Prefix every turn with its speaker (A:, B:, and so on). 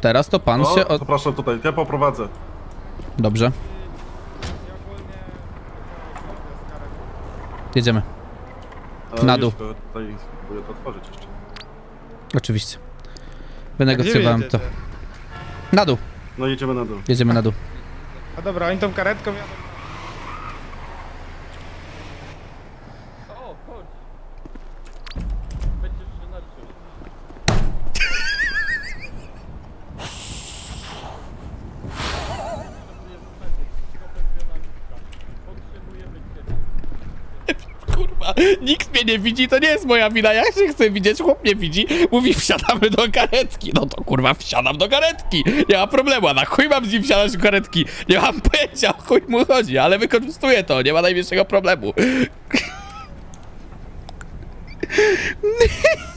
A: teraz to pan się...
B: Zapraszam tutaj, ja poprowadzę.
A: Dobrze. Jedziemy. Na dół.
B: Tutaj spróbuję to otworzyć jeszcze.
A: Oczywiście. Wynegocjowałem to. Na dół.
B: No jedziemy na dół.
A: Jedziemy na dół.
C: A dobra, oni tą karetką jadą.
D: O, chodź. Będziesz się naczył.
A: Kurwa, nikt mnie nie widzi, to nie jest moja wina, ja się chcę widzieć, chłop mnie widzi, mówi wsiadamy do karetki, no to kurwa wsiadam do karetki, nie ma problemu, a na chuj mam z nim wsiadać do karetki, nie mam pojęcia o chuj mu chodzi, ale wykorzystuję to, nie ma najmniejszego problemu.